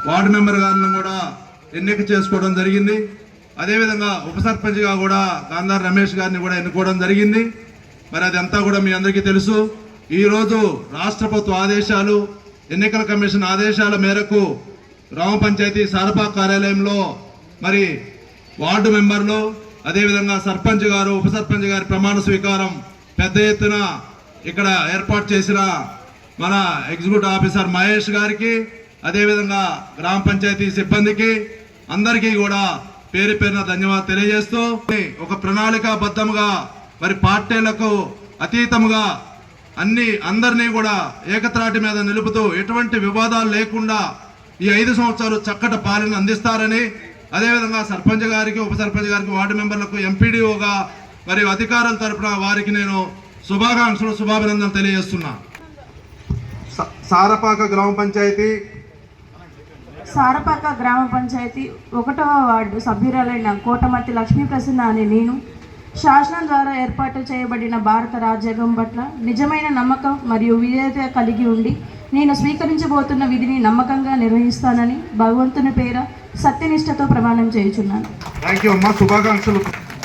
Ward member గారిని కూడా ఎన్నిక చేసుకోవడం జరిగింది. అదేవిధంగా ఉప సర్పంచ్గా కూడా గాంధార్ రమేష్ గారిని కూడా ఎన్నుకోవడం జరిగింది. మరి అదంతా కూడా మీ అందరికీ తెలుసు. ఈరోజు రాష్ట్ర ప్రభుత్వ ఆదేశాలు, ఎన్నికల కమిషన్ ఆదేశాల మేరకు గ్రామ పంచాయతీ సారపాక కార్యాలయంలో మరి వార్డు మెంబర్లు, అదేవిధంగా సర్పంచ్ గారు, ఉప సర్పంచ్ గారి ప్రమాణ స్వీకారం పెద్ద ఎత్తున ఇక్కడ ఏర్పాటు చేసిన మన ఎగ్జిక్యూటివ్ ఆఫీసర్ మహేష్ గారికి, అదేవిధంగా గ్రామ పంచాయతీ సిబ్బందికి అందరికీ కూడా పేరు పేరున ధన్యవాదాలు తెలియజేస్తూ, ఒక ప్రణాళికాబద్ధంగా మరి పార్టీలకు అతీతముగా అందరినీ కూడా ఏకత్రాటి మీద నిలుపుతూ ఎటువంటి వివాదాలు లేకుండా ఈ 5 సంవత్సరాలు చక్కటి పాలన అందిస్తారని, అదేవిధంగా సర్పంచ్ గారికి, ఉప సర్పంచ్ గారికి, వార్డు మెంబర్లకు, ఎంపీడీఓగా మరియు అధికారుల తరపున వారికి నేను శుభాకాంక్షలు, శుభాభినందనలు తెలియజేస్తున్నా. సారపాక గ్రామ పంచాయతీ 1వ వార్డు సభ్యురాలైన కోటమర్తి లక్ష్మీ ప్రసన్న అనే నేను శాసనం ద్వారా ఏర్పాటు చేయబడిన భారత రాజ్యాంగం పట్ల నిజమైన నమ్మకం మరియు విధేయత కలిగి ఉండి నేను స్వీకరించబోతున్న విధిని నమ్మకంగా నిర్వహిస్తానని భగవంతుని పేర సత్యనిష్టతో ప్రమాణం చేయుచున్నాను. శుభాకాంక్షలు.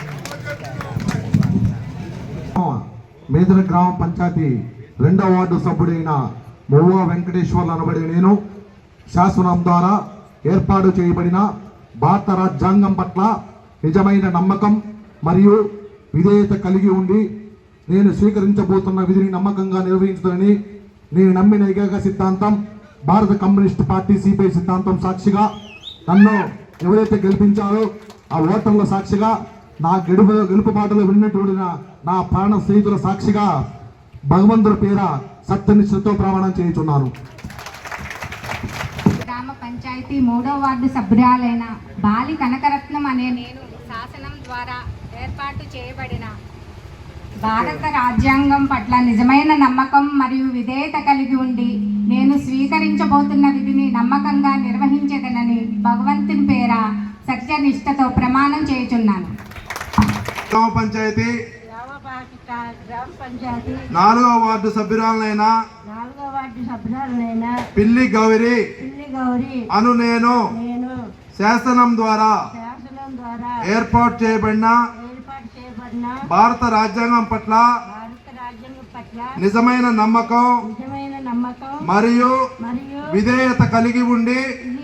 మేదర గ్రామ పంచాయతీ 2వ వార్డు సభ్యుడైన మొవ్వ వెంకటేశ్వర్లు అనబడి నేను శాసనం ద్వారా ఏర్పాటు చేయబడిన భారత రాజ్యాంగం పట్ల నిజమైన నమ్మకం మరియు విధేయత కలిగి ఉండి నేను స్వీకరించబోతున్న విధిని నమ్మకంగా నిర్వహించుతానని నేను నమ్మిన ఏకైక సిద్ధాంతం భారత కమ్యూనిస్ట్ పార్టీ సిపిఐ సిద్ధాంతం సాక్షిగా నన్ను ఎవరైతే గెలిపించారో ఆ ఓటర్ల సాక్షిగా నా గెలుపు మాటలు విన్నటువంటి నా ప్రాణ స్నేహితుల సాక్షిగా భగవంతుడి పేర సత్యనిష్టతో ప్రమాణం చేయుచున్నాను. గ్రామ పంచాయతీ 3వ వార్డు సభ్యురాలైన బాలి కనకరత్నం అనే నేను శాసనం ద్వారా ఏర్పాటు చేయబడిన భారత రాజ్యాంగం పట్ల నిజమైన నమ్మకం మరియు విధేయత కలిగి ఉండి నేను స్వీకరించబోతున్న విధిని నమ్మకంగా నిర్వహించేదనని భగవంతుని పేర సత్యనిష్టతో ప్రమాణం చేయుచున్నాను. గ్రామ పంచాయతీ 4వ వార్డు సభ్యురాలైన పిల్లి గౌరి అను నేను శాసనం ద్వారా ఏర్పాటు చేయబడిన భారత రాజ్యాంగం పట్ల నిజమైన నమ్మకం మరియు విధేయత కలిగి ఉండి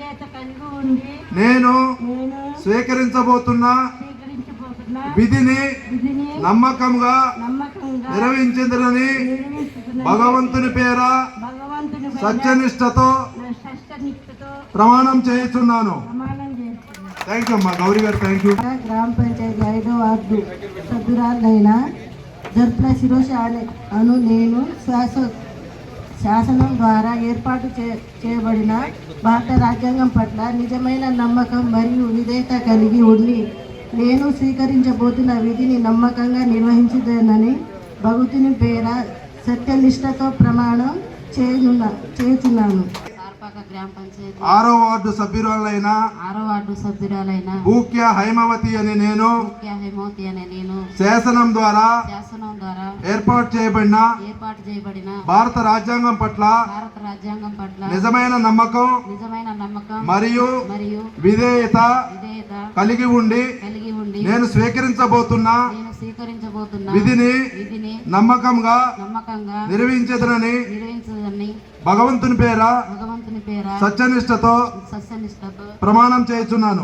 నేను స్వీకరించబోతున్న విధిని నమ్మకంగా నిర్వహించదని భగవంతుని పేర సత్యనిష్టతో ప్రమాణం చేయుచున్నాను. థ్యాంక్ యూ అమ్మా గౌరీ గారు. Thank you. గ్రామ పంచాయతీ 5వ వార్డు సభ్యురాలైన జర్ప్ల శిరోష అను నేను శాసనం ద్వారా ఏర్పాటు చేయబడిన భారత రాజ్యాంగం పట్ల నిజమైన నమ్మకం మరియు విధేయత కలిగి ఉండి నేను స్వీకరించబోతున్న విధిని నమ్మకంగా నిర్వహించుతానని భగవంతుని పేర సత్యనిష్టతో ప్రమాణం చేయుచున్నాను. 6వ వార్డు సభ్యురాలైన భూక్య హైమవతి అనే నేను శాసనం ద్వారా ఏర్పాటు చేయబడిన భారత రాజ్యాంగం పట్ల నిజమైన నమ్మకం మరియు విధేయత కలిగి ఉండి నేను స్వీకరించబోతున్న విధిని నమ్మకంగా నిర్వహించదనని భగవంతుని పేర సత్యనిష్టతో ప్రమాణం చేస్తున్నాను.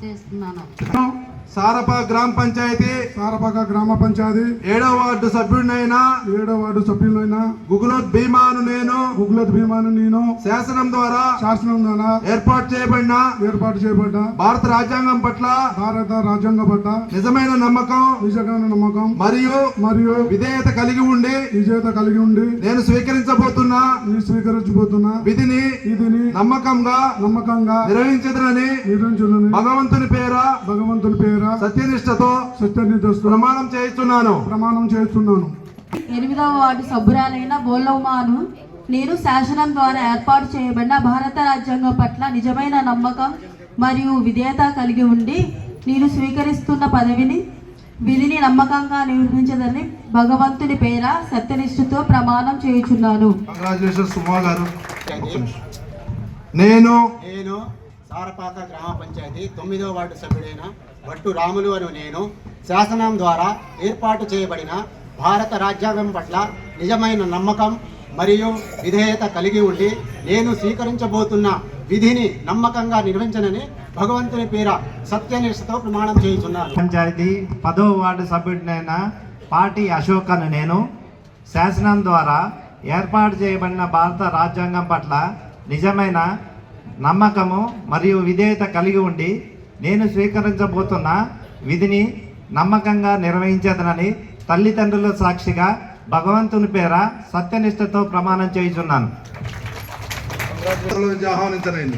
సారపాక గ్రామ పంచాయతీ 7వ వార్డు సభ్యుడైన గుగులోత్ భీమాను నేను శాసనం ద్వారా ఏర్పాటు చేయబడిన భారత రాజ్యాంగం పట్ల నిజమైన నమ్మకం మరియు విధేయత కలిగి ఉండి నేను స్వీకరించబోతున్న విధిని నమ్మకంగా నిర్వహించదనని భగవంతుని పేర సత్యనిష్టతో ప్రమాణం చేస్తున్నాను. 8వ వార్డు సభ్యురాలైన బోలవుమాను నేను శాసనం ద్వారా ఏర్పాటు చేయబడిన భారత రాజ్యాంగం పట్ల నిజమైన నమ్మకం మరియు విధేయత కలిగి ఉండి నేను స్వీకరిస్తున్న విధిని నమ్మకంగా నిర్వహించదని భగవంతుని పేర సత్యనిష్టతో ప్రమాణం చేయుచున్నాను. నేను సారపాక గ్రామ పంచాయతీ 9వ వార్డు సభ్యుడైన భట్టు రాములు అను నేను శాసనం ద్వారా ఏర్పాటు చేయబడిన భారత రాజ్యాంగం పట్ల నిజమైన నమ్మకం మరియు విధేయత కలిగి ఉండి నేను స్వీకరించబోతున్న విధిని నమ్మకంగా నిర్వహించనని భగవంతుని పేర సత్యనిష్టతో ప్రమాణం చేయుచున్నాను. పంచాయతీ 10వ వార్డు సభ్యుడినైన పాటి అశోక్ అను నేను శాసనం ద్వారా ఏర్పాటు చేయబడిన భారత రాజ్యాంగం పట్ల నిజమైన నమ్మకము మరియు విధేయత కలిగి ఉండి నేను స్వీకరించబోతున్న విధిని నమ్మకంగా నిర్వహించేదనని తల్లిదండ్రుల సాక్షిగా భగవంతుని పేర సత్యనిష్టతో ప్రమాణం చేయుచున్నాను. ఆహ్వానించనండి.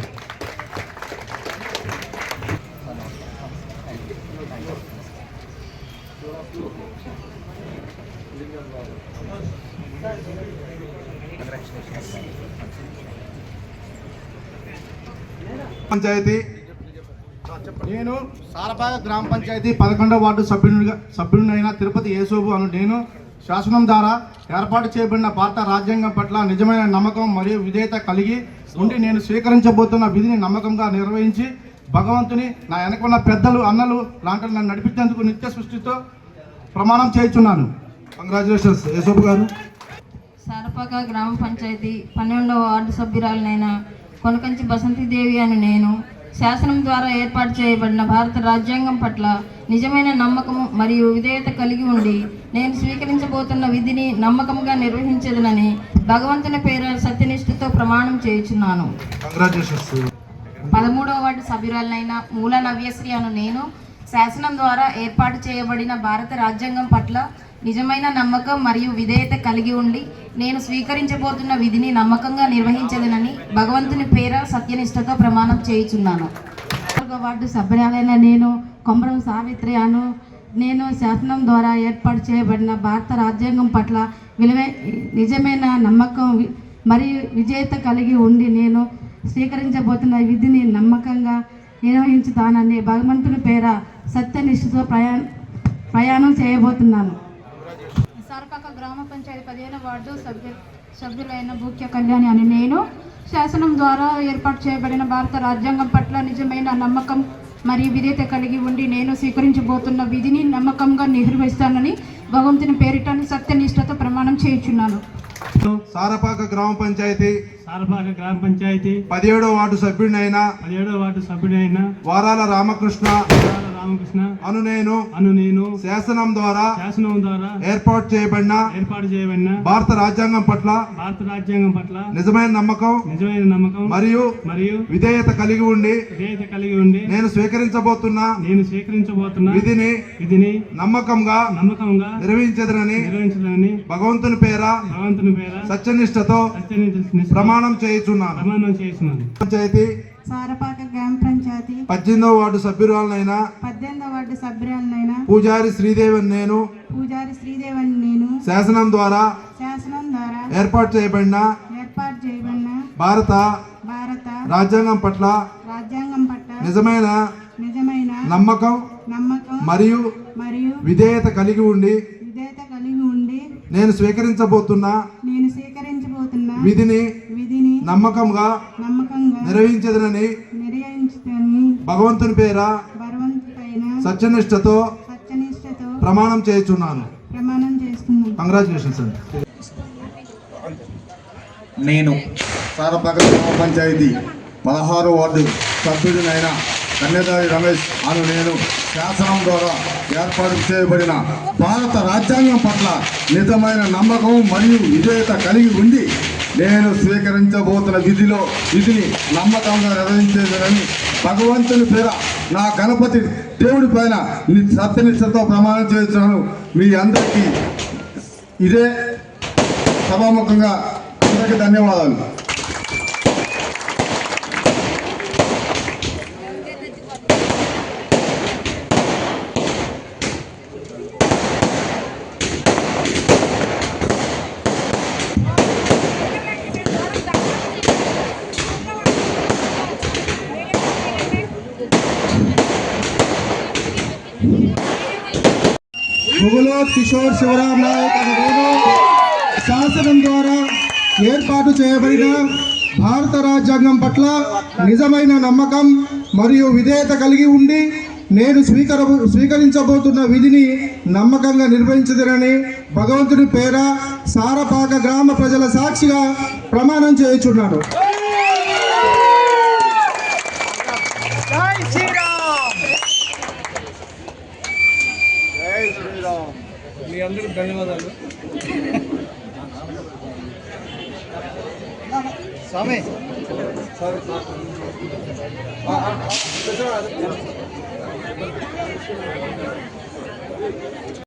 పంచాయతీ నేను సారపాక గ్రామ పంచాయతీ 11వ వార్డు సభ్యుడినైన తిరుపతి యేసోబు అను నేను శాసనం ద్వారా ఏర్పాటు చేయబడిన భారత రాజ్యాంగం పట్ల నిజమైన నమ్మకం మరియు విధేయత కలిగి ఉండి నేను స్వీకరించబోతున్న విధిని నమ్మకంగా నిర్వహించి భగవంతుని నా వెనకున్న పెద్దలు అన్నలు లాంటి నన్ను నడిపించేందుకు నిత్య సృష్టితో ప్రమాణం చేయుచున్నాను. కంగ్రాచులేషన్స్ యేసోబు గారు. సారపాక గ్రామ పంచాయతీ 12వ వార్డు సభ్యురాలనైన కొనకంచి బసంతిదేవి అని నేను శాసనం ద్వారా ఏర్పాటు చేయబడిన భారత రాజ్యాంగం పట్ల నిజమైన నమ్మకము మరియు విధేయత కలిగి ఉండి నేను స్వీకరించబోతున్న విధిని నమ్మకంగా నిర్వహించదనని భగవంతుని పేర సత్యనిష్ఠతో ప్రమాణం చేయుచున్నాను. కంగ్రాచులేషన్స్. 13వ వార్డు సభ్యురాలనైన మూల నవ్యశ్రీ అను నేను శాసనం ద్వారా ఏర్పాటు చేయబడిన భారత రాజ్యాంగం పట్ల నిజమైన నమ్మకం మరియు విధేయత కలిగి ఉండి నేను స్వీకరించబోతున్న విధిని నమ్మకంగా నిర్వహించదనని భగవంతుని పేర సత్యనిష్టతో ప్రమాణం చేయుచున్నాను. 4వ వార్డు సభ్యురాలైన నేను కొమరం సావిత్రి అను నేను శాసనం ద్వారా ఏర్పాటు చేయబడిన భారత రాజ్యాంగం పట్ల నిజమైన నమ్మకం మరియు విధేయత కలిగి ఉండి నేను స్వీకరించబోతున్న విధిని నమ్మకంగా నిర్వహించుతానని భగవంతుని పేర సత్యనిష్టతో ప్రయాణం చేయబోతున్నాను. సారపాక గ్రామ పంచాయతీ 15వ వార్డు సభ్యులైన భూక్య కళ్యాణి అని నేను శాసనం ద్వారా ఏర్పాటు చేయబడిన భారత రాజ్యాంగం పట్ల నిజమైన నమ్మకం మరియు విధేయత కలిగి ఉండి నేను స్వీకరించబోతున్న విధిని నమ్మకంగా నిర్వహిస్తానని భగవంతుని పేరిట సత్యనిష్టతో ప్రమాణం చేయుచున్నాను. సారపాక గ్రామ పంచాయతీ 17వ వార్డు సభ్యుడినైన వారాల రామకృష్ణ అను నేను శాసనం ద్వారా ఏర్పాటు చేయబడిన భారత రాజ్యాంగం పట్ల నిజమైన నమ్మకం మరియు విధేయత కలిగి ఉండి నేను స్వీకరించబోతున్న విధిని నమ్మకంగా నిర్వహించదనని భగవంతుని పేర సత్యనిష్టతో ప్రమాణం చేయుచున్నాను. పంచాయతీ సారపాక గ్రామ పంచాయతీ 18వ వార్డు సభ్యురాలనైన పూజారి శ్రీదేవి అని నేను శాసనం ద్వారా ఏర్పాటు చేయబడిన భారత రాజ్యాంగం పట్ల నిజమైన నమ్మకం మరియు విధేయత కలిగి ఉండి నేను స్వీకరించబోతున్న విధిని నమ్మకంగా నిర్వహించదనని భగవంతుని పేర సత్యనిష్టతో ప్రమాణం చేయుచున్నాను. కంగ్రాచులేషన్స్ అండి. నేను సారపాక గ్రామ పంచాయతీ 16వ వార్డు సభ్యుడినైన కన్యదారి రమేష్ అను నేను శాసనం ద్వారా ఏర్పాటు చేయబడిన భారత రాజ్యాంగం పట్ల నిజమైన నమ్మకం మరియు విధేయత కలిగి ఉండి నేను స్వీకరించబోతున్న విధిని నమ్మకంగా నిర్వహించేదని భగవంతుని పేర నా గణపతి దేవుడి పైన సత్యనిష్టతో ప్రమాణం చేస్తున్నాను. మీ అందరికీ ఇదే సభాముఖంగా అందరికీ ధన్యవాదాలు. ముగులోత్ కిషోర్ శివరాం నాయక్ అనే నేను శాసనం ద్వారా ఏర్పాటు చేయబడిన భారత రాజ్యాంగం పట్ల నిజమైన నమ్మకం మరియు విధేయత కలిగి ఉండి నేను స్వీకరించబోతున్న విధిని నమ్మకంగా నిర్వహించదనని భగవంతుని పేర సారపాక గ్రామ ప్రజల సాక్షిగా ప్రమాణం చేయుచున్నాను. మీ అందరికీ ధన్యవాదాలు. స్వామి సరే